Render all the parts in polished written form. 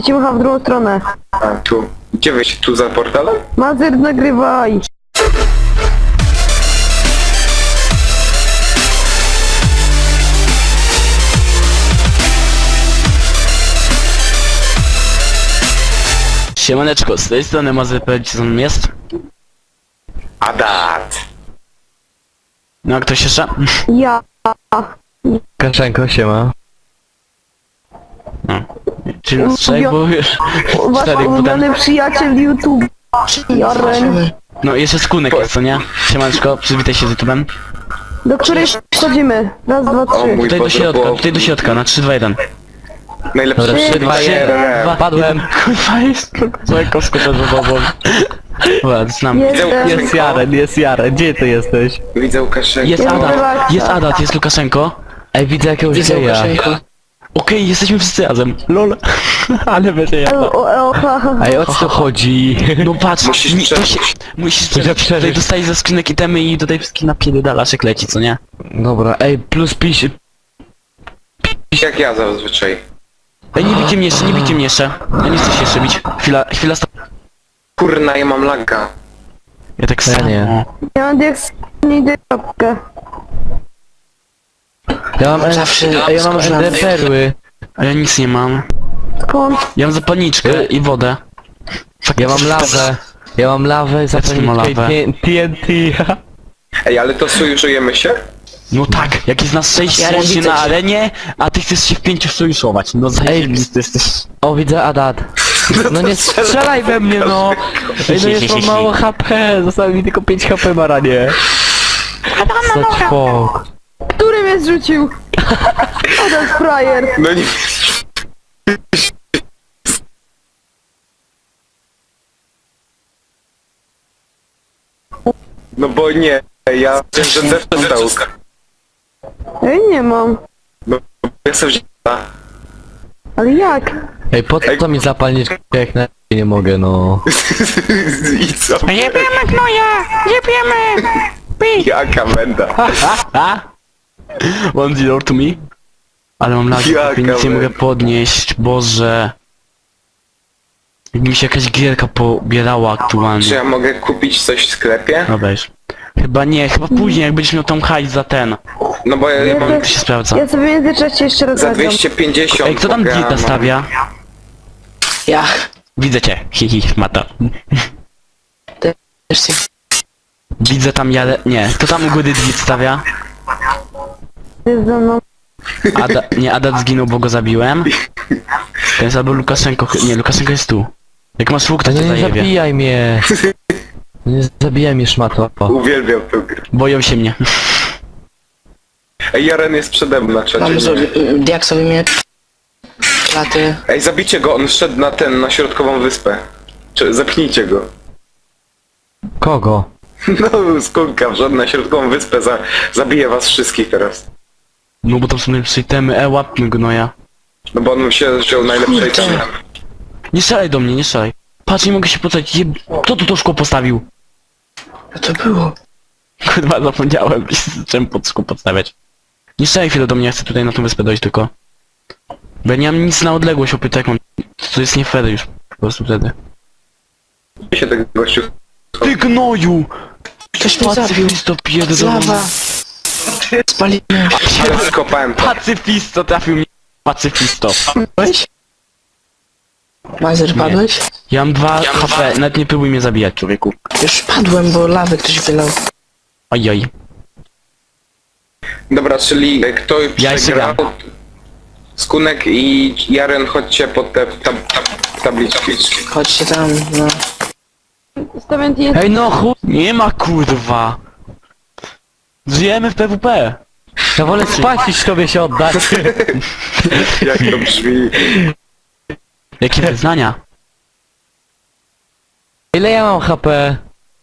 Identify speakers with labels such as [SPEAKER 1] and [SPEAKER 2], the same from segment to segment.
[SPEAKER 1] ci macha w drugą stronę.
[SPEAKER 2] A, tu. Gdzie wyjść? Tu za portalem?
[SPEAKER 1] Mazer, nagrywaj.
[SPEAKER 3] Siemaneczko, z tej strony Mazer.pl, co tam jest?
[SPEAKER 2] Adat!
[SPEAKER 3] No a ktoś jeszcze?
[SPEAKER 1] Ja.
[SPEAKER 4] Kaszenko, siema.
[SPEAKER 3] No. Czyli nas trzech, bo już
[SPEAKER 1] Wasz
[SPEAKER 3] czterech
[SPEAKER 1] ulubiony
[SPEAKER 3] potem...
[SPEAKER 1] przyjaciel YouTube. Jaren.
[SPEAKER 3] No jeszcze Skunek jest, co nie? Siemaneczko, przywitaj się z YouTube'em.
[SPEAKER 1] Do której wchodzimy? Raz, dwa,
[SPEAKER 2] O
[SPEAKER 1] trzy.
[SPEAKER 2] mój
[SPEAKER 3] Tutaj do
[SPEAKER 2] Boże,
[SPEAKER 3] środka,
[SPEAKER 2] było
[SPEAKER 3] tutaj do środka, na 3, 2, 1.
[SPEAKER 2] najlepsze.
[SPEAKER 4] Dobra, 3, 2, 1, padłem.
[SPEAKER 3] Kurwa jest, co skoczę za tobą. Dobra, znam.
[SPEAKER 1] Jestem.
[SPEAKER 4] Jest Jaren, gdzie ty jesteś?
[SPEAKER 2] Widzę Łukaszenkę.
[SPEAKER 3] Jest
[SPEAKER 1] Jest
[SPEAKER 3] Adat,
[SPEAKER 1] relaksa.
[SPEAKER 3] jest Adat, jest Lukaszenko.
[SPEAKER 4] Ej, widzę jakiegoś geja.
[SPEAKER 3] Okej, jesteśmy wszyscy razem. LOL. Ale będzie ja.
[SPEAKER 1] Ha, ha.
[SPEAKER 4] Ej, o co tu chodzi?
[SPEAKER 3] No patrz,
[SPEAKER 2] Musisz
[SPEAKER 3] to
[SPEAKER 2] przeżyć.
[SPEAKER 3] się, musisz
[SPEAKER 4] Musisz
[SPEAKER 3] przeżyć. Tutaj
[SPEAKER 4] przeżyć.
[SPEAKER 3] dostajesz ze skrzynek itemy i tutaj wszystkie napierdalasz jak leci, co nie?
[SPEAKER 4] Dobra, ej, plus pisz...
[SPEAKER 2] Jak ja zazwyczaj.
[SPEAKER 3] Ej, nie bijcie mnie jeszcze, nie bijcie mnie jeszcze. Ja nie chcę się jeszcze bić. Chwila stop.
[SPEAKER 2] Kurna, ja mam laga.
[SPEAKER 3] Ja tak
[SPEAKER 4] Ja
[SPEAKER 3] samo.
[SPEAKER 4] nie.
[SPEAKER 1] Ja mam diaks... nie idę kropkę.
[SPEAKER 4] Ja mam ja mam perły.
[SPEAKER 3] A ja nic nie mam.
[SPEAKER 1] Skąd?
[SPEAKER 3] Ja mam zapalniczkę i wodę.
[SPEAKER 4] Ja mam lawę. Ja mam lawę, zapalniczkę
[SPEAKER 3] lawę.
[SPEAKER 4] i TNT.
[SPEAKER 2] Ej, ale to sojuszujemy się?
[SPEAKER 3] No tak, jak jest nas 6 się na arenie, a ty chcesz się w 5 sojuszować. No zajebisty jesteś.
[SPEAKER 4] O, widzę Adat. No nie strzelaj we mnie, no! Ej, no jest mam mało HP, zostało mi tylko 5 HP, baranie. Such fuck.
[SPEAKER 1] Który mnie zrzucił? Adam frajer.
[SPEAKER 2] No nie... No bo nie, ja wiem, że też dostał.
[SPEAKER 1] Ej, nie mam.
[SPEAKER 2] No, ja sobie wziąłem.
[SPEAKER 1] Ale jak?
[SPEAKER 4] Ej, po co mi zapalniczkę, jak na nie mogę, no.
[SPEAKER 2] I co?
[SPEAKER 3] Jebiemy gnoja! Jebiemy!
[SPEAKER 2] Jaka menda.
[SPEAKER 3] 1-0 to me. Ale mam lagi,
[SPEAKER 2] Jaka
[SPEAKER 3] nic nie mogę
[SPEAKER 2] menda.
[SPEAKER 3] podnieść, Boże. Jakby mi się jakaś gierka pobierała
[SPEAKER 2] Czy
[SPEAKER 3] aktualnie.
[SPEAKER 2] ja mogę kupić coś w sklepie?
[SPEAKER 3] No weź. Chyba nie, chyba później jak będziesz miał tam hajs za ten.
[SPEAKER 2] No bo ja mam
[SPEAKER 3] To się sprawdza.
[SPEAKER 1] Ja sobie w międzyczasie jeszcze raz
[SPEAKER 2] za
[SPEAKER 1] zagram.
[SPEAKER 2] 250.
[SPEAKER 3] Ej, kto tam
[SPEAKER 2] mogę,
[SPEAKER 3] dirta
[SPEAKER 2] mam-
[SPEAKER 3] stawia?
[SPEAKER 5] Ja.
[SPEAKER 3] Widzę cię, hihi, mata.
[SPEAKER 5] Też się...
[SPEAKER 3] Widzę tam jadę, nie, kto tam u góry dit stawia?
[SPEAKER 1] Jest ze mną.
[SPEAKER 3] Adat zginął, bo go zabiłem. Ten jest albo Lukaszenko, nie, Lukaszenko jest tu. Jak masz łuk, to
[SPEAKER 4] No
[SPEAKER 3] cię
[SPEAKER 4] nie
[SPEAKER 3] zajebie.
[SPEAKER 4] zabijaj mnie. Nie zabijaj mnie, szmato.
[SPEAKER 2] Uwielbiam tę grę.
[SPEAKER 3] Boją się mnie.
[SPEAKER 2] Ej, Jaren jest przede mną na czacie.
[SPEAKER 5] Mam
[SPEAKER 2] nie?
[SPEAKER 5] diaksowy miecz. Laty.
[SPEAKER 2] Ej, zabijcie go, on szedł na ten, na środkową wyspę. Czy zapnijcie go.
[SPEAKER 4] Kogo?
[SPEAKER 2] No, skunka, wszedł na środkową wyspę, zabije was wszystkich teraz.
[SPEAKER 3] No bo tam są najlepsze itemy, łapmy gnoja.
[SPEAKER 2] No bo on się wziął najlepsze
[SPEAKER 5] Kurde.
[SPEAKER 2] itemy.
[SPEAKER 3] Nie strzelaj do mnie, nie strzelaj. Patrz, nie mogę się postawić, kto tu to szkło postawił?
[SPEAKER 5] Co to było?
[SPEAKER 3] Kurwa, zapomniałem, czym pod szkło podstawiać. Nie strzelaj chwilę do mnie, ja chcę tutaj na tą wyspę dojść tylko. Bo ja nie mam nic na odległość, opytaj, jak mam... To jest nie fair już, po prostu wtedy.
[SPEAKER 2] się tego gościu...
[SPEAKER 3] Ty gnoju!
[SPEAKER 5] Ktoś mnie zabił.
[SPEAKER 3] Pacyfisto pierdolony.
[SPEAKER 5] Lawa. Spalimy.
[SPEAKER 2] Ale skopałem to.
[SPEAKER 3] Pacyfisto trafił mnie. Pacyfisto.
[SPEAKER 5] Padłeś? Mazer, padłeś?
[SPEAKER 3] Ja mam 2 HP, nawet nie próbuj mnie zabijać, człowieku.
[SPEAKER 5] Już padłem, bo lawy ktoś wylał.
[SPEAKER 3] Ojoj.
[SPEAKER 2] Dobra, czyli kto
[SPEAKER 3] Ja jeszcze
[SPEAKER 2] przegrał?
[SPEAKER 3] gram.
[SPEAKER 2] Skunek i Jaren, chodźcie pod te tabliczki.
[SPEAKER 5] Chodźcie tam, no.
[SPEAKER 1] Stawiam TNT.
[SPEAKER 4] Ej, no chuj.
[SPEAKER 3] Nie ma kurwa. Żyjemy w PWP.
[SPEAKER 4] Ja wolę spać niż tobie się oddać.
[SPEAKER 2] Jak to brzmi?
[SPEAKER 3] Jakie wyznania?
[SPEAKER 4] Ile ja mam HP?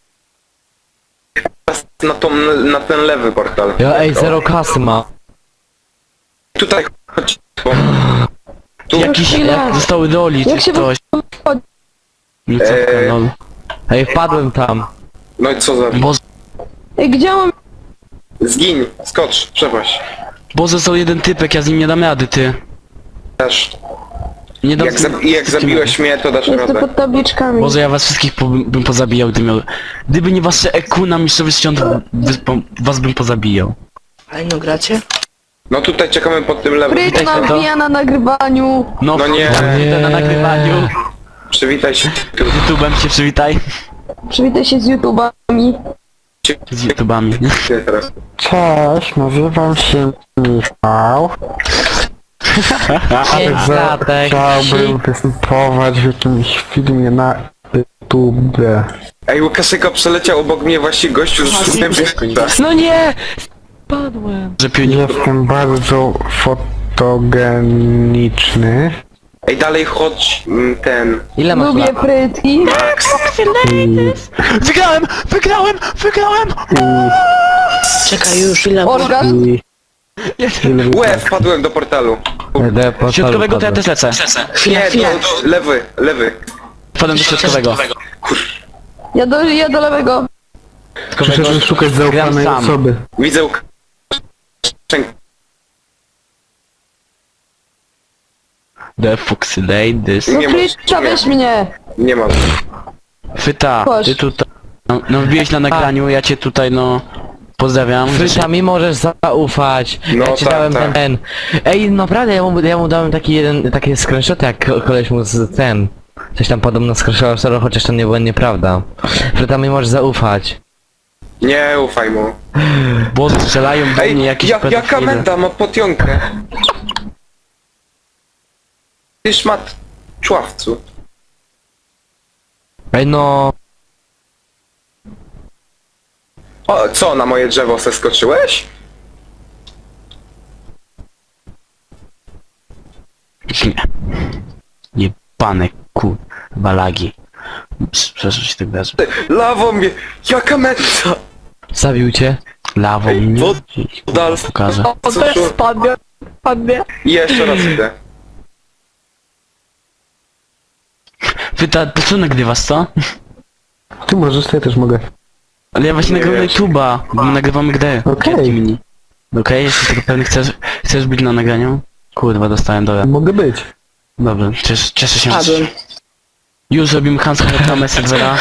[SPEAKER 2] Na ten lewy portal.
[SPEAKER 4] Ja, ej, 0 kasy ma.
[SPEAKER 2] Tutaj chodź. Tu.
[SPEAKER 3] Jakiś...
[SPEAKER 1] chwila.
[SPEAKER 3] Zostały roli,
[SPEAKER 1] Jak
[SPEAKER 3] czy
[SPEAKER 1] się
[SPEAKER 3] coś. No co, lol.
[SPEAKER 4] Ej, wpadłem tam.
[SPEAKER 2] No i co za...
[SPEAKER 3] Bo...
[SPEAKER 1] Ej, gdzie mam?
[SPEAKER 2] Zgiń, skocz, przepaść.
[SPEAKER 3] Bo został jeden typek, ja z nim nie dam rady, ty.
[SPEAKER 2] Też.
[SPEAKER 3] Nie do...
[SPEAKER 2] Jak zabiłeś mnie, to dasz
[SPEAKER 1] Jestem
[SPEAKER 2] radę.
[SPEAKER 1] pod tabliczkami.
[SPEAKER 3] Boże, ja was wszystkich bym pozabijał, gdyby nie wasze EQ na mistrzostwie świąt, was bym pozabijał.
[SPEAKER 5] Ale no gracie?
[SPEAKER 2] No tutaj czekamy pod tym lewym.
[SPEAKER 1] Fryt
[SPEAKER 3] Witaj,
[SPEAKER 1] nam
[SPEAKER 3] to.
[SPEAKER 1] wbija na nagrywaniu.
[SPEAKER 3] No,
[SPEAKER 2] No nie.
[SPEAKER 3] na nagrywaniu.
[SPEAKER 2] Przywitaj się tu.
[SPEAKER 3] Z YouTube'em się przywitaj.
[SPEAKER 1] Przywitaj się z YouTubami.
[SPEAKER 3] Z YouTubami.
[SPEAKER 2] Teraz.
[SPEAKER 6] Cześć, nazywam się Michał. Chciałbym występować w jakimś filmie na YouTube.
[SPEAKER 2] Ej, Łukaszeko przeleciał obok mnie właśnie gościu z szumem.
[SPEAKER 4] No nie! Spadłem.
[SPEAKER 3] Że pionik...
[SPEAKER 6] Jestem bardzo fotogeniczny.
[SPEAKER 2] Ej, dalej chodź ten.
[SPEAKER 4] Ile masz
[SPEAKER 1] Lubię
[SPEAKER 4] lat?
[SPEAKER 1] frytki.
[SPEAKER 3] Wygrałem!
[SPEAKER 5] Czekaj już, ile?
[SPEAKER 1] Organ.
[SPEAKER 2] Łe, wpadłem do portalu.
[SPEAKER 3] Środkowego to ja też lecę.
[SPEAKER 2] Nie, lewy.
[SPEAKER 3] Wpadłem do środkowego.
[SPEAKER 1] Ja do lewego.
[SPEAKER 6] Przyszedłem szukać zaufanej
[SPEAKER 3] sam.
[SPEAKER 6] osoby.
[SPEAKER 2] Widzę Łukaszenkę.
[SPEAKER 3] The Foxy Ladies.
[SPEAKER 1] No
[SPEAKER 2] Nie masz,
[SPEAKER 1] Frytka,
[SPEAKER 2] nie.
[SPEAKER 1] weź mnie.
[SPEAKER 2] Nie mam.
[SPEAKER 3] Fyta,
[SPEAKER 1] Chodź.
[SPEAKER 3] ty tutaj... No wbiłeś na nagraniu, ja cię tutaj no... Pozdrawiam.
[SPEAKER 4] Fryta, mi możesz zaufać.
[SPEAKER 2] No
[SPEAKER 4] Ja ci
[SPEAKER 2] tak,
[SPEAKER 4] dałem
[SPEAKER 2] tak.
[SPEAKER 4] ten. Ej, naprawdę, ja mu dałem taki screenshot, jak koleś mu z ten. Coś tam podobno screenshotował, chociaż to nie było nieprawda. Fryta, mi możesz zaufać.
[SPEAKER 2] Nie ufaj mu.
[SPEAKER 3] Bo strzelają do
[SPEAKER 2] Ej,
[SPEAKER 3] mnie jakieś
[SPEAKER 2] jaka
[SPEAKER 3] pedofile.
[SPEAKER 2] menda ma potionkę? Ty szmat czławcu.
[SPEAKER 4] Ej, no.
[SPEAKER 2] O, co, na moje drzewo zeskoczyłeś?
[SPEAKER 3] Nie. Jebane balagi. Przepraszam się tak wyrażę.
[SPEAKER 2] Ty, lawą mnie, jaka menda?
[SPEAKER 4] Zabił cię?
[SPEAKER 3] Lawą
[SPEAKER 2] Ej,
[SPEAKER 3] mnie.
[SPEAKER 2] Dal,
[SPEAKER 3] Pokażę.
[SPEAKER 4] Spadnie.
[SPEAKER 2] I jeszcze raz idę.
[SPEAKER 3] Pyta, to co nagrywasz, co?
[SPEAKER 6] Ty możesz, to ja też mogę.
[SPEAKER 3] Ale ja właśnie
[SPEAKER 2] Nie
[SPEAKER 3] nagrywam na
[SPEAKER 2] wiesz.
[SPEAKER 3] YouTube'a, bo my nagrywamy grę.
[SPEAKER 6] Okej.
[SPEAKER 3] Kwiatki mini. Okej, jesteś tego pewny, chcesz być na nagraniu? Kurwa, dostałem, dobra.
[SPEAKER 6] Mogę być.
[SPEAKER 3] Dobrze, cieszę się.
[SPEAKER 5] Padłem.
[SPEAKER 3] Już robimy Hansa reklamę serwera.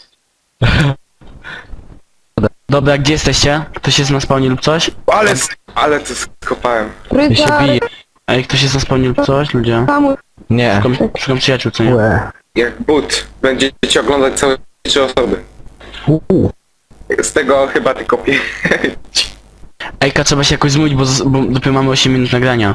[SPEAKER 3] Dobra, gdzie jesteście? Ktoś jest na spawnie lub coś?
[SPEAKER 2] Ale to skopałem.
[SPEAKER 4] Ja się
[SPEAKER 1] Fryta,
[SPEAKER 4] biję.
[SPEAKER 3] Ej, ktoś jest na spawnie lub coś? Ludzie.
[SPEAKER 1] kamu.
[SPEAKER 4] Nie.
[SPEAKER 3] Szukam przyjaciół, co nie?
[SPEAKER 6] Łe.
[SPEAKER 2] Jak but. Będziecie oglądać całe 3 osoby. Z tego chyba tylko 5.
[SPEAKER 3] Ejka, trzeba się jakoś zmówić, bo dopiero mamy 8 minut nagrania.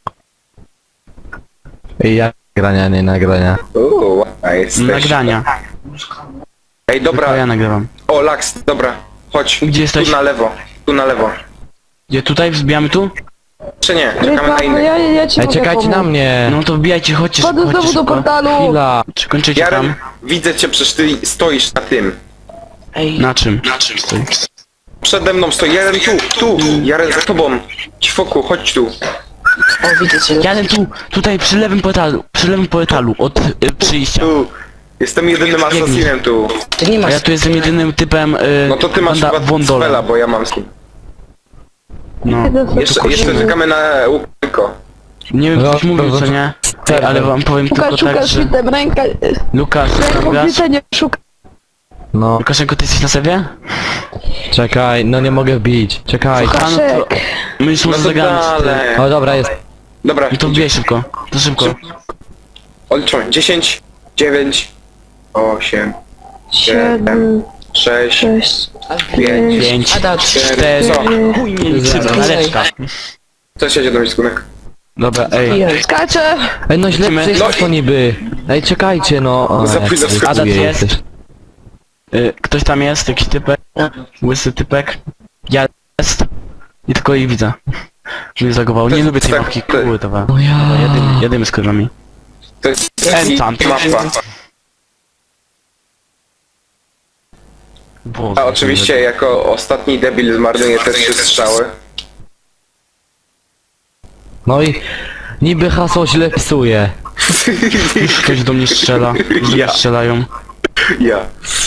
[SPEAKER 4] Ja nagrania, nie nagrania.
[SPEAKER 2] Ładna jesteś.
[SPEAKER 3] Nagrania.
[SPEAKER 2] Ej,
[SPEAKER 3] Tylko ja
[SPEAKER 2] dobra.
[SPEAKER 3] nagrywam.
[SPEAKER 2] O, Laks, dobra. Chodź.
[SPEAKER 3] Gdzie jesteś?
[SPEAKER 2] Tu na lewo. Tu na lewo.
[SPEAKER 3] Gdzie, tutaj? Wbijamy tu?
[SPEAKER 2] Czy nie? Czekamy na
[SPEAKER 1] Frytka, no
[SPEAKER 2] innych.
[SPEAKER 1] ja ci
[SPEAKER 4] Ej,
[SPEAKER 1] mogę
[SPEAKER 4] czekajcie na
[SPEAKER 1] pomóc.
[SPEAKER 4] mnie.
[SPEAKER 3] No to wbijajcie, chodźcie,
[SPEAKER 1] Wchodzę
[SPEAKER 3] chodźcie
[SPEAKER 1] znowu do
[SPEAKER 3] szybko.
[SPEAKER 1] portalu.
[SPEAKER 4] Chwila.
[SPEAKER 3] Czy kończycie
[SPEAKER 2] Jaren,
[SPEAKER 3] tam?
[SPEAKER 2] widzę cię, przecież ty stoisz na tym.
[SPEAKER 5] Ej,
[SPEAKER 3] Na czym? Na czym stoi?
[SPEAKER 2] Przede mną stoi. Jaren tu. Jaren za tobą. Ćwoku, chodź tu.
[SPEAKER 5] o widzę cię.
[SPEAKER 3] Jadę tu, tutaj przy lewym portalu, od przyjścia.
[SPEAKER 2] Tu. Jestem jedynym asasinem tu.
[SPEAKER 5] Ty nie
[SPEAKER 3] A
[SPEAKER 5] masz...
[SPEAKER 3] ja tu jestem jedynym typem
[SPEAKER 2] No to ty masz chyba
[SPEAKER 3] Wondola.
[SPEAKER 2] spela, bo ja mam skin.
[SPEAKER 3] No.
[SPEAKER 2] Jeszcze czekamy na Łukasko.
[SPEAKER 3] Nie wiem, ktoś
[SPEAKER 4] No,
[SPEAKER 3] mówił,
[SPEAKER 4] to-
[SPEAKER 3] co nie? Ej, ale wam powiem tylko tak,
[SPEAKER 1] Szukasz
[SPEAKER 3] że...
[SPEAKER 1] frytem, ręka...
[SPEAKER 3] Lukasz, tam
[SPEAKER 1] Ręką
[SPEAKER 3] grasz?
[SPEAKER 1] frytę nie szuka.
[SPEAKER 4] No,
[SPEAKER 3] Łukaszenko, ty jesteś na sobie?
[SPEAKER 4] czekaj, no nie mogę wbić. Czekaj.
[SPEAKER 3] A, no to...
[SPEAKER 1] Kaszek.
[SPEAKER 3] My już
[SPEAKER 2] No
[SPEAKER 3] może
[SPEAKER 2] to
[SPEAKER 3] zagramy.
[SPEAKER 2] dalej.
[SPEAKER 4] O, dobra, jest.
[SPEAKER 2] Dobra,
[SPEAKER 3] I to wbijaj szybko. To szybko.
[SPEAKER 2] odliczamy. 10, 9, 8,
[SPEAKER 1] 7,
[SPEAKER 2] 6,
[SPEAKER 1] 6,
[SPEAKER 2] 5.
[SPEAKER 3] 5,
[SPEAKER 5] Ada,
[SPEAKER 3] 4,
[SPEAKER 2] Co?
[SPEAKER 3] chuj nie
[SPEAKER 4] Zero.
[SPEAKER 3] laleczka.
[SPEAKER 2] Co się dzieje, skunek?
[SPEAKER 3] Dobra, ej.
[SPEAKER 1] skacze.
[SPEAKER 4] Ej, no źle
[SPEAKER 3] Lecimy.
[SPEAKER 4] przyjechał
[SPEAKER 2] No i-
[SPEAKER 4] to niby. Ej, czekajcie, no. O,
[SPEAKER 2] Za
[SPEAKER 4] jak
[SPEAKER 2] późno
[SPEAKER 4] wy
[SPEAKER 3] Ada, ty
[SPEAKER 4] jesteś.
[SPEAKER 3] jest? Ktoś tam jest? Jakiś typek? Łysy typek? Ja jest? I tylko ich widzę. Mnie zagowało. Nie lubię tej
[SPEAKER 2] tak,
[SPEAKER 3] mapki,
[SPEAKER 2] to-
[SPEAKER 3] kurwa.
[SPEAKER 4] No ja.
[SPEAKER 3] Jedymy z kurwami.
[SPEAKER 2] To jest
[SPEAKER 3] Enchant.
[SPEAKER 2] mapa.
[SPEAKER 3] Boże,
[SPEAKER 2] A oczywiście jako ostatni debil zmarnuje te 3 strzały.
[SPEAKER 4] No i niby hasło źle pisuje.
[SPEAKER 3] Ktoś do mnie strzela.
[SPEAKER 2] Ja.
[SPEAKER 3] Strzelają.
[SPEAKER 2] Ja.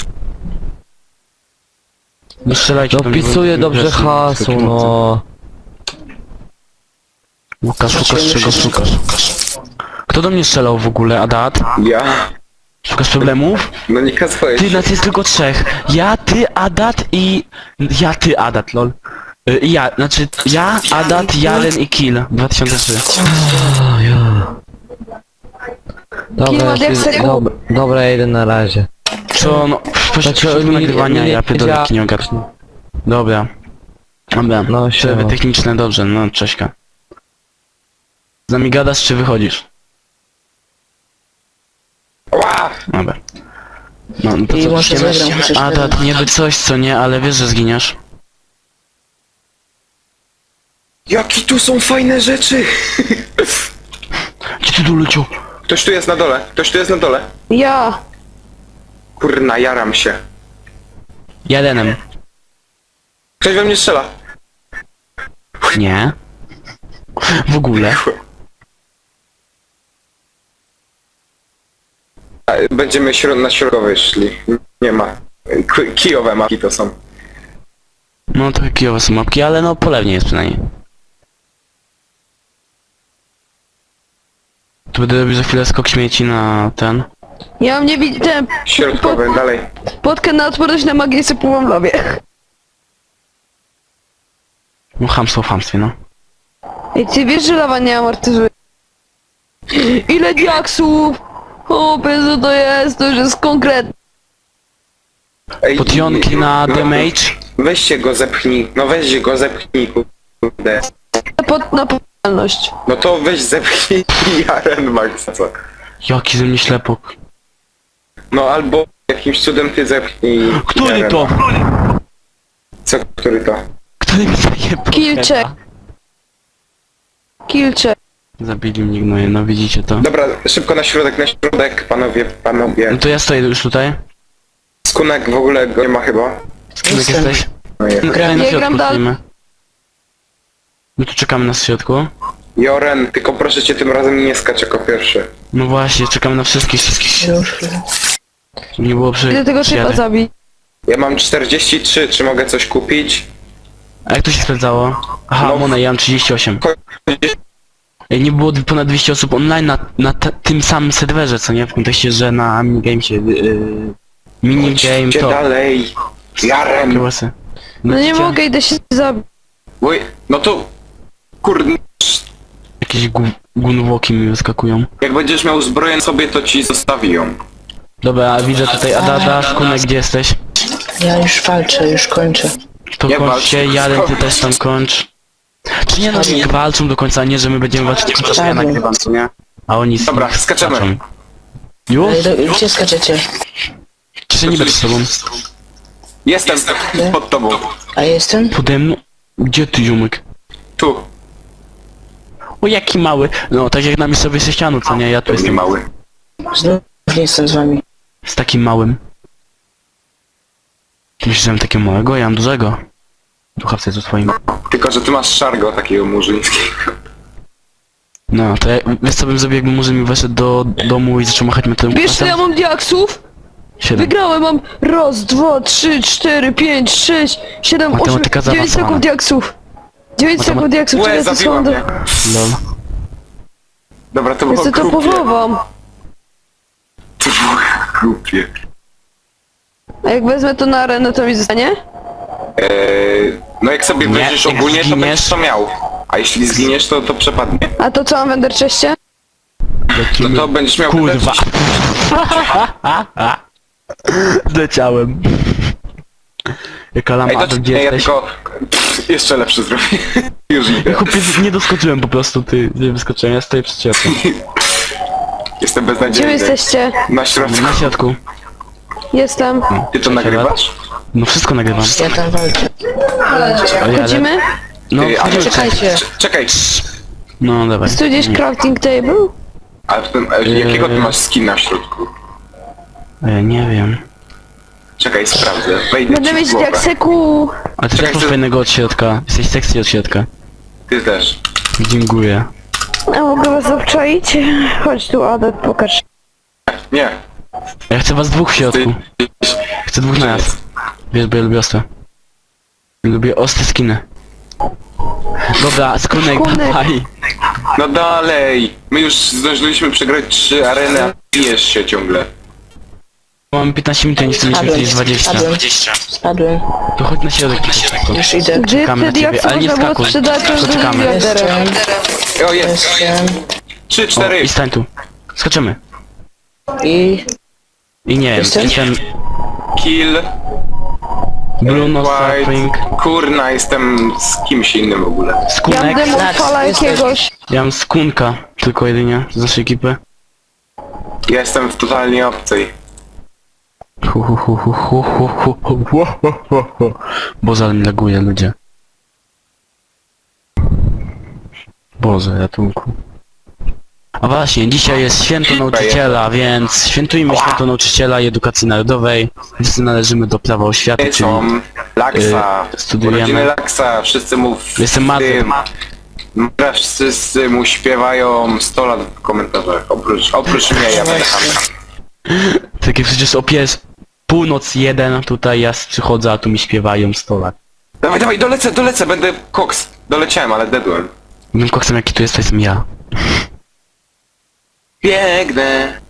[SPEAKER 3] Nie strzelajcie
[SPEAKER 4] No
[SPEAKER 3] do mnie, bo-
[SPEAKER 4] pisuje dobrze
[SPEAKER 3] wiesz,
[SPEAKER 4] hasło, no.
[SPEAKER 3] Łukasz, szukasz czego szukasz? Kto Kto do mnie strzelał w ogóle, Adat?
[SPEAKER 2] Ja?
[SPEAKER 3] Szukasz problemów?
[SPEAKER 2] No nie kazałeś.
[SPEAKER 3] Ty, nas jest tylko trzech. Ja, ty, Adat i... Ja, ty, Adat, lol. Ja, Adat, Jaren i Kill. 2003.
[SPEAKER 4] Dobra,
[SPEAKER 1] Klimat jak seku.
[SPEAKER 4] dobra, ja idę na razie.
[SPEAKER 3] Co, no... Pośrodku nagrywania, ja pierdolę, jaki nie ogarnę. Dobra. Dobra,
[SPEAKER 4] No,
[SPEAKER 3] przerwy
[SPEAKER 4] siema.
[SPEAKER 3] techniczne, dobrze, no, cześćka. Z nami gadasz, czy wychodzisz?
[SPEAKER 2] Ła!
[SPEAKER 3] Dobra. No, no to
[SPEAKER 5] I
[SPEAKER 3] co,
[SPEAKER 5] może
[SPEAKER 3] idziemy?
[SPEAKER 5] zagram chociaż
[SPEAKER 3] Adat, niby coś, co nie, ale wiesz, że zginiesz.
[SPEAKER 2] Jakie tu są fajne rzeczy!
[SPEAKER 3] Gdzie ty tu leciał?
[SPEAKER 2] Ktoś tu jest na dole, ktoś tu jest na dole.
[SPEAKER 1] Ja.
[SPEAKER 2] Kurna, jaram się.
[SPEAKER 3] Jarenem.
[SPEAKER 2] Ktoś we mnie strzela.
[SPEAKER 3] Nie. W ogóle.
[SPEAKER 2] Będziemy na środkowej szli. Nie ma. Kijowe mapki to są.
[SPEAKER 3] No trochę kijowe są mapki, ale no polewnie jest przynajmniej. Tu będę robił za chwilę skok śmieci na ten.
[SPEAKER 1] Ja mnie widziałem.
[SPEAKER 2] Środkowe, dalej.
[SPEAKER 1] Potkę na odporność na magię sypułam w lawie.
[SPEAKER 3] No chamstwo w chamstwie, no.
[SPEAKER 1] Ej, ty wiesz, że lawa nie amortyzuje? Ile diaksów? O, Jezu, to już jest konkretne.
[SPEAKER 2] Ej,
[SPEAKER 3] Potionki na damage.
[SPEAKER 2] Weźcie go zepchnij. No weź go zepchnij, kurde.
[SPEAKER 1] Na powitalność.
[SPEAKER 2] No to weź zepchnij Jaren Maxa, co?
[SPEAKER 3] Jaki ze mnie ślepok.
[SPEAKER 2] No albo jakimś cudem ty zepchnij
[SPEAKER 3] Który
[SPEAKER 2] Jarena.
[SPEAKER 3] to?
[SPEAKER 2] Co, który to?
[SPEAKER 3] Który mi zajebał?
[SPEAKER 1] Kilczek. Kilczek.
[SPEAKER 3] Zabili mnie gnoje, no widzicie to.
[SPEAKER 2] Dobra, szybko na środek, panowie.
[SPEAKER 3] No to ja stoję już tutaj.
[SPEAKER 2] Skunek w ogóle go nie ma chyba.
[SPEAKER 3] Skunek
[SPEAKER 5] Jestem.
[SPEAKER 3] jesteś?
[SPEAKER 2] No jest.
[SPEAKER 3] No tutaj na
[SPEAKER 1] Ja gram
[SPEAKER 3] środku
[SPEAKER 1] dalej.
[SPEAKER 3] stoimy. No tu czekamy na środku.
[SPEAKER 2] Joren, tylko proszę cię tym razem nie skacz jako pierwszy.
[SPEAKER 3] No właśnie, czekamy na wszystkich.
[SPEAKER 5] Już chwilę.
[SPEAKER 3] Żeby nie było
[SPEAKER 1] Ile tego szyba
[SPEAKER 3] przyjadę.
[SPEAKER 1] zabić?
[SPEAKER 2] Ja mam 43, czy mogę coś kupić?
[SPEAKER 3] A jak to się sprawdzało? Aha,
[SPEAKER 2] No.
[SPEAKER 3] Mona, ja mam 38. Ej, nie było ponad 200 osób online na tym samym serwerze, co nie? W kontekście, że na minigamesie, minigame
[SPEAKER 2] Idźcie
[SPEAKER 3] to.
[SPEAKER 2] dalej. Jaren.
[SPEAKER 3] Kiełasy.
[SPEAKER 1] No nie
[SPEAKER 3] widzicie?
[SPEAKER 1] mogę, idę się zabić.
[SPEAKER 2] Oj, no to... Kurde,
[SPEAKER 3] Jakieś gunwoki mi wyskakują.
[SPEAKER 2] jak będziesz miał zbroję sobie, to ci zostawi ją.
[SPEAKER 3] Dobra, a widzę tutaj Adada, Szkunek, gdzie jesteś?
[SPEAKER 5] Ja już walczę, już kończę.
[SPEAKER 3] To
[SPEAKER 2] Nie walcz.
[SPEAKER 3] kończcie, Jaren, ty też tam kończ. Czy nie, no nie walczą do końca, nie, że my będziemy walczyć do końca, ja nagrywam, co nie? A oni
[SPEAKER 2] Dobra, skaczemy.
[SPEAKER 3] skaczą. Już?
[SPEAKER 5] Gdzie skaczecie?
[SPEAKER 3] Czy się nie będę z tobą?
[SPEAKER 2] Jestem pod tobą.
[SPEAKER 5] A jestem?
[SPEAKER 3] Pode mną? Gdzie ty, ziomek?
[SPEAKER 2] Tu.
[SPEAKER 3] O, jaki mały. No, tak jak na miejscowej sześcianu, co nie? Ja tu
[SPEAKER 2] Nie
[SPEAKER 3] jestem
[SPEAKER 2] mały.
[SPEAKER 5] Znów nie jestem z wami.
[SPEAKER 3] z takim małym. Ty myślisz, że mam takiego małego? Ja mam dużego. Duchawce to twoim.
[SPEAKER 2] Tylko, że ty masz szargo takiego murzyńskiego.
[SPEAKER 3] No, to ja, wiesz co bym zrobił, jakby murzyn mi weszedł do domu i zaczął machać metalem?
[SPEAKER 1] Wiesz co ja mam diaksów?
[SPEAKER 3] 7.
[SPEAKER 1] Wygrałem, mam raz, dwa, trzy, cztery, pięć, sześć, siedem, osiem,
[SPEAKER 3] Matematyka
[SPEAKER 1] 9
[SPEAKER 3] zaawansowana.
[SPEAKER 1] sekund diaksów. 9 sekund diaksów,
[SPEAKER 2] Łe,
[SPEAKER 1] czekaj, to
[SPEAKER 2] zabiła
[SPEAKER 1] są do...
[SPEAKER 2] mnie.
[SPEAKER 3] Lol.
[SPEAKER 2] Dobra, to
[SPEAKER 1] Ja
[SPEAKER 2] było
[SPEAKER 1] sobie to
[SPEAKER 2] głupie.
[SPEAKER 1] pochowam.
[SPEAKER 2] To było głupie.
[SPEAKER 1] A jak wezmę to na arenę, to mi zostanie?
[SPEAKER 2] No jak sobie
[SPEAKER 3] Nie,
[SPEAKER 2] weźmiesz
[SPEAKER 3] jak
[SPEAKER 2] ogólnie, to
[SPEAKER 3] zginiesz-
[SPEAKER 2] będziesz to miał. A jeśli zginiesz, to przepadnie.
[SPEAKER 1] A to co mam w enderczeście?
[SPEAKER 2] No to będziesz miał...
[SPEAKER 3] Kurwa. Zleciałem. Jaka
[SPEAKER 2] Ej,
[SPEAKER 3] lama,
[SPEAKER 2] to
[SPEAKER 3] gdzie
[SPEAKER 2] ja
[SPEAKER 3] jesteś?
[SPEAKER 2] tylko... jeszcze lepszy zrobię. Już idę.
[SPEAKER 3] Chłopie, nie doskoczyłem po prostu, ty. Nie wyskoczyłem, ja stoję przed ciebie.
[SPEAKER 2] Jestem
[SPEAKER 1] Gdzie wy
[SPEAKER 2] beznadziejny.
[SPEAKER 1] jesteście?
[SPEAKER 2] Na środku.
[SPEAKER 3] Na środku.
[SPEAKER 1] Jestem.
[SPEAKER 2] Ty to nagrywasz?
[SPEAKER 3] No wszystko nagrywam.
[SPEAKER 5] Ja tam walczę.
[SPEAKER 3] Ale-
[SPEAKER 1] Chodzimy?
[SPEAKER 3] No,
[SPEAKER 2] Ty, ale
[SPEAKER 5] Czekajcie.
[SPEAKER 2] czekaj.
[SPEAKER 3] no dawaj.
[SPEAKER 1] Jest tu gdzieś crafting table?
[SPEAKER 2] A w tym, jakiego ty masz skina w środku?
[SPEAKER 3] Ja nie wiem.
[SPEAKER 2] Czekaj, sprawdzę. Wejdę
[SPEAKER 1] Będę
[SPEAKER 2] ci w
[SPEAKER 1] mieć
[SPEAKER 2] głowę.
[SPEAKER 1] diakseku.
[SPEAKER 3] Ale ty
[SPEAKER 2] Czekaj,
[SPEAKER 3] tak masz
[SPEAKER 2] ty-
[SPEAKER 3] fajnego od środka. Jesteś sexy od środka.
[SPEAKER 2] Ty też.
[SPEAKER 3] Dziękuję.
[SPEAKER 1] A mogę was obczaić? Chodź tu, Adet, pokaż.
[SPEAKER 2] Nie.
[SPEAKER 3] Ja chcę was dwóch w środku. Chcę dwóch na raz. Wiesz, bo ja lubię ostre. Lubię ostre skiny. Dobra, skunek,
[SPEAKER 1] Skunek.
[SPEAKER 3] dawaj.
[SPEAKER 2] No dalej! My już zdążyliśmy przegrać 3 areny, a bijesz się ciągle.
[SPEAKER 3] Mam 15 minut, a nie chcę mieć więcej niż 20.
[SPEAKER 5] Spadłem.
[SPEAKER 3] To chodź na środek po prostu.
[SPEAKER 5] Już idę.
[SPEAKER 1] Gdzie
[SPEAKER 3] Czekamy na
[SPEAKER 1] wtedy jak
[SPEAKER 3] ciebie, ale nie
[SPEAKER 1] można było
[SPEAKER 3] skakuj.
[SPEAKER 1] sprzedać to
[SPEAKER 3] Poczekamy.
[SPEAKER 5] Jestem.
[SPEAKER 2] O, jest!
[SPEAKER 5] Jestem.
[SPEAKER 2] 3,
[SPEAKER 3] O,
[SPEAKER 2] 4.
[SPEAKER 3] i stań tu. Skaczemy.
[SPEAKER 5] I...
[SPEAKER 3] I nie wiem,
[SPEAKER 5] Jestem?
[SPEAKER 3] jestem
[SPEAKER 2] Kill.
[SPEAKER 3] Bruno
[SPEAKER 2] White.
[SPEAKER 3] Suffering,
[SPEAKER 2] Kurna, jestem z kimś innym w ogóle.
[SPEAKER 1] Ja mam
[SPEAKER 3] Skunek.
[SPEAKER 1] demon
[SPEAKER 5] Lax,
[SPEAKER 1] fala
[SPEAKER 5] jesteś.
[SPEAKER 1] jakiegoś.
[SPEAKER 3] Ja mam Skunka, tylko jedynie z naszej ekipy.
[SPEAKER 2] Ja jestem w totalnie obcej.
[SPEAKER 3] Boże, ale mi laguje, ludzie. Boże, ratunku. A właśnie, dzisiaj jest święto nauczyciela, więc świętujmy święto nauczyciela i edukacji narodowej. Wszyscy należymy do prawa oświaty, czyli
[SPEAKER 2] Są Laksa.
[SPEAKER 3] studujemy.
[SPEAKER 2] Urodziny Laksa. Wszyscy mu w
[SPEAKER 3] Jestem Mazem.
[SPEAKER 2] Wszyscy mu śpiewają 100 lat w komentarzach. Oprócz mnie, ja będę tam.
[SPEAKER 3] takie przecież północ 1, tutaj ja przychodzę, a tu mi śpiewają 100 lat.
[SPEAKER 2] Dawaj, dawaj, dolecę, będę koks. Doleciałem, ale dedłem.
[SPEAKER 3] Tym koksem jaki tu jest, to jestem ja.
[SPEAKER 2] Biegnę.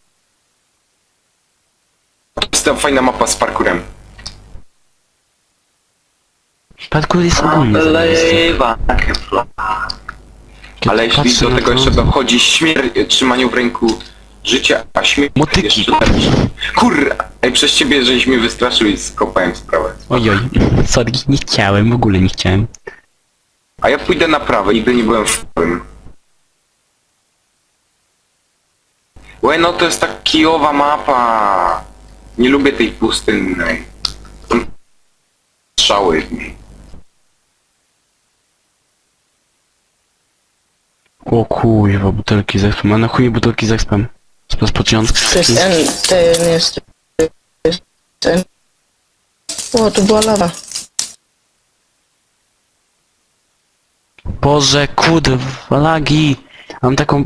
[SPEAKER 2] To jest ta fajna mapa z parkurem.
[SPEAKER 3] Parkour jest ogólnie zajebisty. Kiedy
[SPEAKER 2] Ale jeśli
[SPEAKER 3] patrzę
[SPEAKER 2] do
[SPEAKER 3] na
[SPEAKER 2] tego
[SPEAKER 3] to-
[SPEAKER 2] jeszcze dochodzi trzymaniu w ręku życia, a śmierć
[SPEAKER 3] Motyki.
[SPEAKER 2] jeszcze lepsze. Kurra! Ej, przez ciebie żeś mnie wystraszył i skopałem sprawę.
[SPEAKER 3] Ojoj, sorry, nie chciałem, w ogóle nie chciałem.
[SPEAKER 2] A ja pójdę na prawo, nigdy nie byłem w prawym. Łe, no to jest tak kijowa mapa. Nie lubię tej pustynnej. Są strzały w niej.
[SPEAKER 3] O kurwa, butelki z expem. A na chuj butelki z expem? Z początku.
[SPEAKER 5] To jest ten jest... Ten. O, tu była lawa.
[SPEAKER 3] Boże, kurwa, lagi. Mam taką...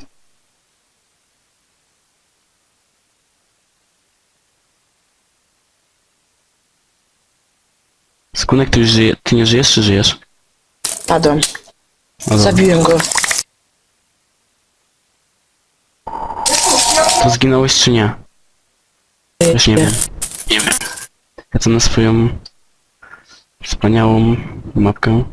[SPEAKER 3] Skunek, ty już żyje... Ty nie żyjesz, czy żyjesz?
[SPEAKER 5] Padłem.
[SPEAKER 3] O, dobra.
[SPEAKER 5] Zabiłem go.
[SPEAKER 3] To zginąłeś, czy nie? Już nie wiem. Nie wiem. Ja to na swoją... wspaniałą mapkę.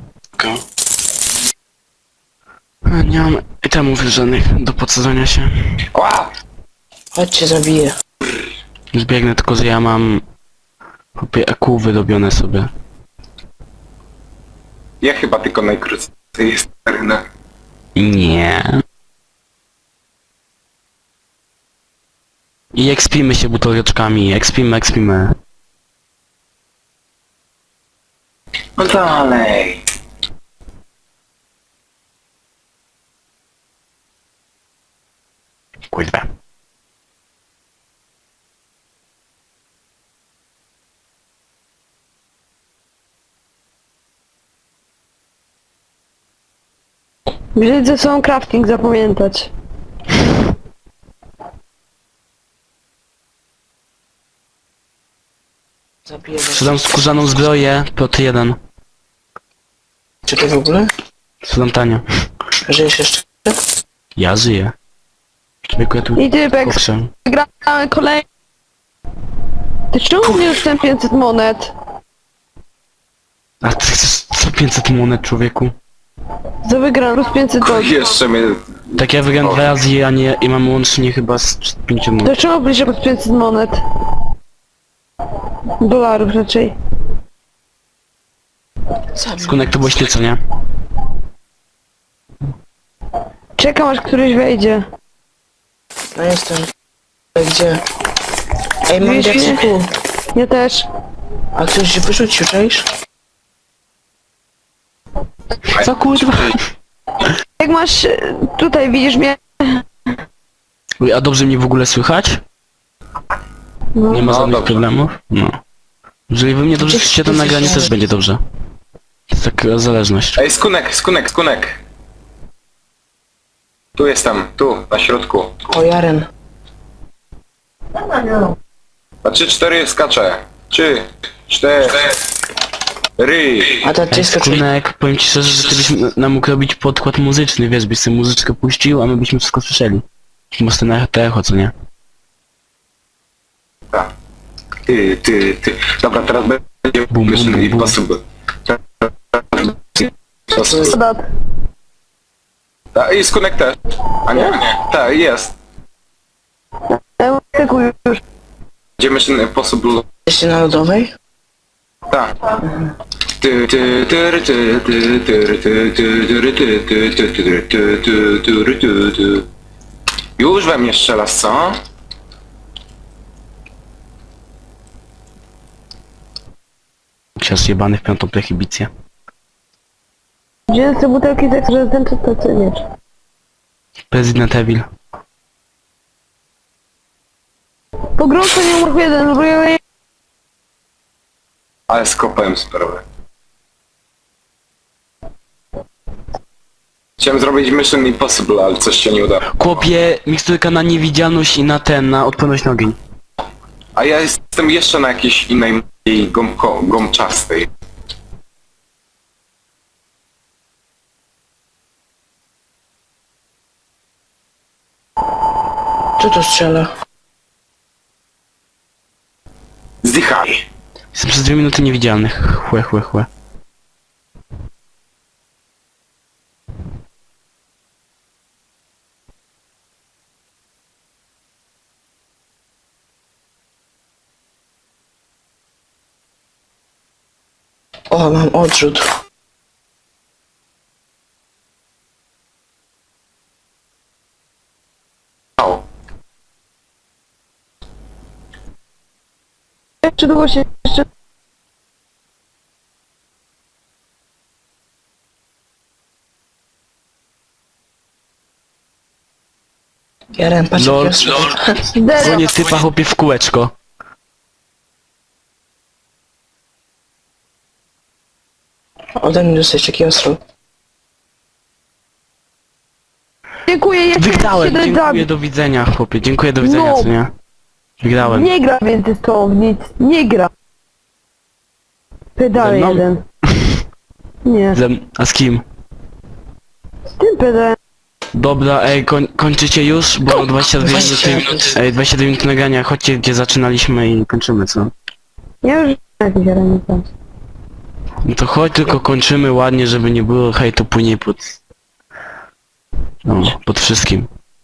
[SPEAKER 3] A, nie mam itemów żadnych do podsadzania się.
[SPEAKER 2] Ła!
[SPEAKER 5] Chodźcie, zabiję.
[SPEAKER 3] Już biegnę, tylko że ja mam... Chłopie, EQ wyrobione sobie.
[SPEAKER 2] Ja chyba tylko najkrócej jest arena.
[SPEAKER 3] Nie. I ekspimy się buteleczkami, ekspimy.
[SPEAKER 2] No dalej.
[SPEAKER 3] Kurwa.
[SPEAKER 1] Wziąć ze sobą crafting, zapamiętać.
[SPEAKER 5] Zabiję go.
[SPEAKER 3] Sprzedam skórzaną zbroję, plot 1.
[SPEAKER 5] Czy ty w ogóle?
[SPEAKER 3] Sprzedam tanio.
[SPEAKER 5] Żyjesz jeszcze?
[SPEAKER 3] Ja żyję. Człowieku, ja tu
[SPEAKER 1] I typek,
[SPEAKER 3] kokrzę.
[SPEAKER 1] gramy kolejny. Ty czemu mnie już ten 500 monet?
[SPEAKER 3] A ty chcesz co 500 monet, człowieku?
[SPEAKER 1] Za wygraną plus 500 dolarów.
[SPEAKER 2] Jeszcze mnie...
[SPEAKER 3] Tak ja wygram 2 razy, a nie... i mam łącznie chyba z 5 monet.
[SPEAKER 1] To czemu bliżej plus 500 monet? Dolarów raczej.
[SPEAKER 5] Zabił.
[SPEAKER 3] Skunek, to byłeś ty, co nie?
[SPEAKER 1] Czekam aż któryś wejdzie.
[SPEAKER 5] No jestem. Gdzie? Ej, mam
[SPEAKER 1] Widzisz mnie?
[SPEAKER 5] diaksyku.
[SPEAKER 1] Ja też.
[SPEAKER 5] A ktoś się wyrzucił, czaisz?
[SPEAKER 3] Co kurwa?
[SPEAKER 1] Jak masz... tutaj widzisz mnie?
[SPEAKER 3] Uj, a dobrze mnie w ogóle słychać?
[SPEAKER 1] No.
[SPEAKER 3] Nie ma
[SPEAKER 2] No,
[SPEAKER 3] żadnych
[SPEAKER 2] dobrze.
[SPEAKER 3] problemów? No. Jeżeli wy mnie dobrze słyszycie, to nagranie też będzie dobrze. To jest taka zależność.
[SPEAKER 2] Ej, skunek! Tu jestem, tu, na środku.
[SPEAKER 5] O, Jaren.
[SPEAKER 2] Na 3-4 skaczę. 3, 4.
[SPEAKER 5] A to
[SPEAKER 3] Ej,
[SPEAKER 5] ty skoczyłeś.
[SPEAKER 3] Skunek, powiem ci szczerze, że ty byś nam mógł robić podkład muzyczny, wiesz, byś sobie muzyczkę puścił, a my byśmy wszystko słyszeli. Może na to echo, co nie?
[SPEAKER 2] Tak. Ty. Dobra, teraz będzie
[SPEAKER 3] Bum, bum,
[SPEAKER 2] Mission
[SPEAKER 3] bum, bum.
[SPEAKER 2] Impossible.
[SPEAKER 1] Adat.
[SPEAKER 2] I Skunek też. A nie. Tak, jest.
[SPEAKER 1] Tyku już.
[SPEAKER 2] Gdzie Mission Impossible?
[SPEAKER 5] Jesteście na lodowej?
[SPEAKER 2] Tak. Już we mnie strzelasz, co?
[SPEAKER 3] Ksiądz jebany w piątą prohibicję.
[SPEAKER 1] Gdzie jest te butelki z ekstrem, czy to co nie?
[SPEAKER 3] Prezydent Evil.
[SPEAKER 1] Pogrążę nie numer 1,
[SPEAKER 2] Ale skopałem sprawę. Chciałem zrobić Mission Impossible, ale coś się nie udało.
[SPEAKER 3] Kłopie miksturka na niewidzialność i na odporność na ogień.
[SPEAKER 2] A ja jestem jeszcze na jakiejś innej gąbczastej.
[SPEAKER 5] Kto to strzela?
[SPEAKER 2] Zdychaj.
[SPEAKER 3] Jestem przez 2 minuty niewidzialny. Chłe.
[SPEAKER 5] O, mam odrzut.
[SPEAKER 2] O,
[SPEAKER 1] Czy długo się jeszcze...
[SPEAKER 5] Jaren, patrz
[SPEAKER 3] Lol.
[SPEAKER 5] jak ja
[SPEAKER 1] Zero.
[SPEAKER 3] Dzwonię typa chłopie w kółeczko.
[SPEAKER 5] Ode mnie dostać taki ostro.
[SPEAKER 1] Dziękuję, ja
[SPEAKER 3] Wygrałem,
[SPEAKER 1] się
[SPEAKER 3] dziękuję, do widzenia chłopie, dziękuję, do widzenia,
[SPEAKER 1] No.
[SPEAKER 3] co nie? Wygrałem.
[SPEAKER 1] Nie gra więcej z tą, nic. Nie gra. Pedał
[SPEAKER 3] Ze mną?
[SPEAKER 1] jeden. Nie.
[SPEAKER 3] A z kim?
[SPEAKER 1] Z tym pedałem.
[SPEAKER 3] Dobra, ej, kończycie już, bo 22 minuty, 22 minuty nagrania, chodźcie gdzie zaczynaliśmy i kończymy, co?
[SPEAKER 1] Ja już jakiś aranica.
[SPEAKER 3] No to chodź, tylko kończymy ładnie, żeby nie było hejtu później pod... No, pod wszystkim.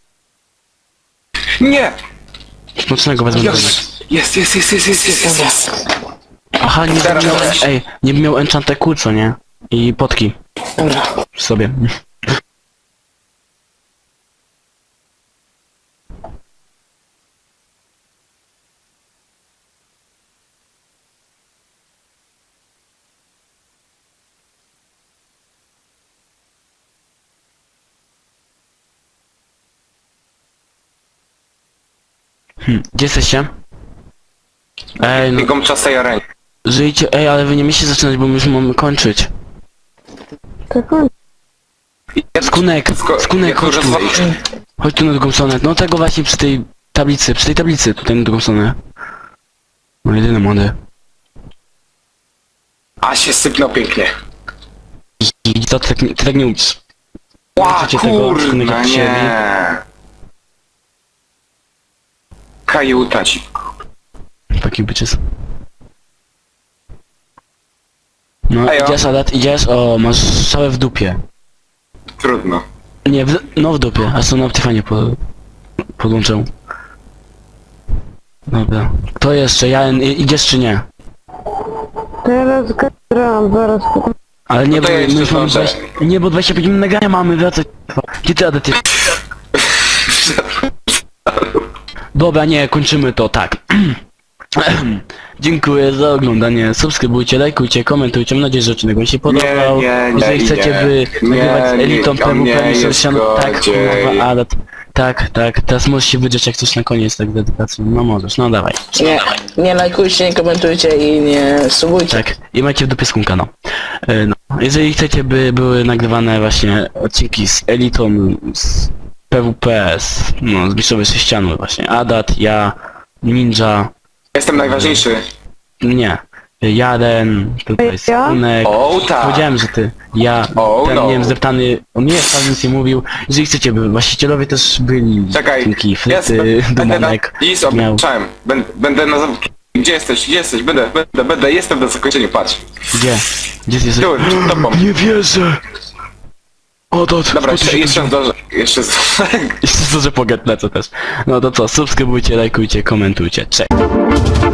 [SPEAKER 2] nie!
[SPEAKER 3] Smacznego wezmę do mnie.
[SPEAKER 2] Jest.
[SPEAKER 3] Aha, nie
[SPEAKER 2] Teraz
[SPEAKER 3] miał,
[SPEAKER 2] weź.
[SPEAKER 3] ej, nie miał enchanteku, co nie? I potki
[SPEAKER 5] Dobra.
[SPEAKER 3] w sobie. Gdzie jesteście? Ej, no,
[SPEAKER 2] Gąbczastej arenie.
[SPEAKER 3] żyjcie, ej, ale wy nie musicie zaczynać, bo my już mamy kończyć.
[SPEAKER 1] Tak on.
[SPEAKER 3] Skunek, chodź tu. Chodź tu na drugą stronę. No tego właśnie przy tej tablicy, tutaj na drugą stronę. No jedyny młody.
[SPEAKER 2] A się sypnął pięknie.
[SPEAKER 3] I to ty tak nie umiesz.
[SPEAKER 2] Ła,
[SPEAKER 3] Chcecie tego, Skunek,
[SPEAKER 2] kurna,
[SPEAKER 3] jak się
[SPEAKER 2] nie. Kajuta ci.
[SPEAKER 3] Taki bitches. No
[SPEAKER 2] Ejo.
[SPEAKER 3] idziesz, Adat, idziesz, o, masz strzałę w dupie.
[SPEAKER 2] Trudno.
[SPEAKER 3] Nie, no w dupie, a co na Optifanie podłączę. Dobra. Kto jeszcze? Idziesz czy nie?
[SPEAKER 1] Teraz gram, zaraz.
[SPEAKER 3] Ale nie,
[SPEAKER 2] No to
[SPEAKER 3] bo
[SPEAKER 2] ja
[SPEAKER 3] my
[SPEAKER 2] jeszcze
[SPEAKER 3] już mamy
[SPEAKER 2] zdążę.
[SPEAKER 3] 20... Nie, bo 25 minut nagrania mamy, wracać. Gdzie ty, Adat, jest? Dobra, nie, kończymy to, tak. Dziękuję za oglądanie, subskrybujcie, lajkujcie, komentujcie, mam nadzieję, że odcinek wam się podobał.
[SPEAKER 2] nie,
[SPEAKER 3] Jeżeli chcecie by nagrywać z elitą
[SPEAKER 2] nie,
[SPEAKER 3] PWP,
[SPEAKER 2] nie,
[SPEAKER 3] tak,
[SPEAKER 2] zgodziej.
[SPEAKER 3] kurwa, ale tak, teraz możesz się wydrzeć jak coś na koniec, tak, dedykacją, no możesz, no dawaj.
[SPEAKER 5] Nie lajkujcie, nie komentujcie i nie subujcie.
[SPEAKER 3] Tak, i macie w dupie skunka, no. No. Jeżeli chcecie, by były nagrywane właśnie odcinki z elitą, z PWP, z Mistrzowej Sześcianu właśnie, Adat, ja, Ninja,
[SPEAKER 2] Jestem najważniejszy.
[SPEAKER 3] nie. Jaren, tutaj jest
[SPEAKER 1] Ja?
[SPEAKER 3] Unek.
[SPEAKER 2] O, tak.
[SPEAKER 3] Powiedziałem, że ty. Ja,
[SPEAKER 2] O,
[SPEAKER 3] ten,
[SPEAKER 2] no.
[SPEAKER 3] nie wiem, zdeptany, on nie wcale nic nie mówił. Jeżeli chcecie, by właścicielowie też byli.
[SPEAKER 2] Czekaj,
[SPEAKER 3] Kinki,
[SPEAKER 2] jest,
[SPEAKER 3] Fryty,
[SPEAKER 2] będę na...
[SPEAKER 3] Dumonek.
[SPEAKER 2] Is,
[SPEAKER 3] miał.
[SPEAKER 2] obliczałem. Będę na... Gdzie jesteś? Jestem na zakończeniu, patrz.
[SPEAKER 3] Gdzie? Gdzie jesteś?
[SPEAKER 2] Tu, przed tobą.
[SPEAKER 3] Nie wierzę! O to,
[SPEAKER 2] Dobra, jeszcze zdążę. Jeszcze
[SPEAKER 3] Jeszcze zdążę pogadać, co też. No to co, subskrybujcie, lajkujcie, komentujcie. Cześć!